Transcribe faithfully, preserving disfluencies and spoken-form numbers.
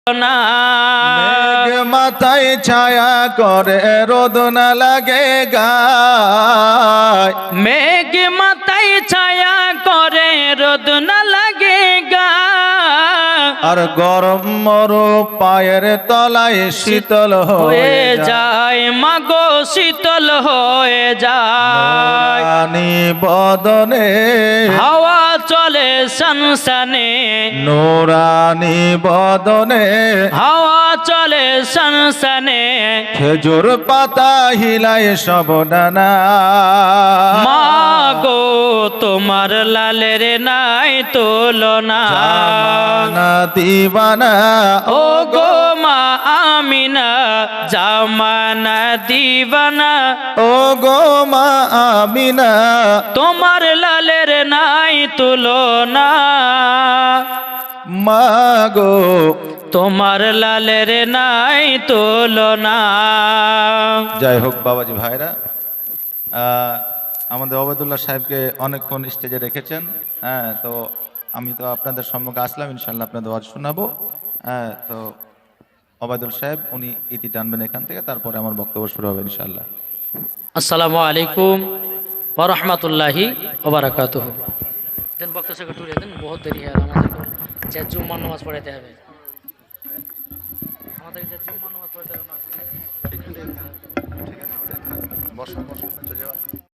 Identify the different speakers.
Speaker 1: না
Speaker 2: মেঘ মাথায় ছায়া করে রোদ না লাগে গায়।
Speaker 1: মেঘ মাথায় ছায়া করে রোদ না লাগে গা
Speaker 2: আর গরম মরু পায়ের তলায় শীতল
Speaker 1: হয়ে যায় মাগো শীতল হয়ে যায়।
Speaker 2: রানী বদনে
Speaker 1: হাওয়া চলে সনসনে
Speaker 2: নোরানি বদনে
Speaker 1: হাওয়া চলে সনসনে
Speaker 2: খেজুর পাতা হিলায় সব ডানা।
Speaker 1: মাগো তোমার লালের নাই তুলনা।
Speaker 2: জামানা দিবানা
Speaker 1: ও গো মা আমিনা জামানা দিবানা।
Speaker 2: ও গো মা আমিনা
Speaker 1: তোমার লালের নাই তুলনা।
Speaker 2: মাগো
Speaker 1: তোমার লালের নাই তুলনা।
Speaker 2: যাই হোক বাবাজি ভাইরা, আহ, আমাদের ওবায়দুল্লাহ সাহেবকে অনেকক্ষণ স্টেজে রেখেছেন। হ্যাঁ, তো আমি তো আপনাদের সম্মুখে আসলাম, ইনশাল্লাহ আপনাদের ওয়াজ শোনাবো। হ্যাঁ, তো ওবায়দুল সাহেব উনি ইতি টানবেন এখান থেকে, তারপরে আমার বক্তব্য শুরু হবে ইনশাল্লাহ।
Speaker 1: আসসালামু আলাইকুম ওয়া রাহমাতুল্লাহি ওয়া বারাকাতুহু। দেন বক্তা থেকে টুরে দেন, বহুত দেরি হয়ে গেল। আমাদের যে জুম্মার নামাজ পড়াইতে হবে, আমাদের যে জুম্মার নামাজ পড়াইতে হবে।
Speaker 2: বসো বসো, চলে যাও।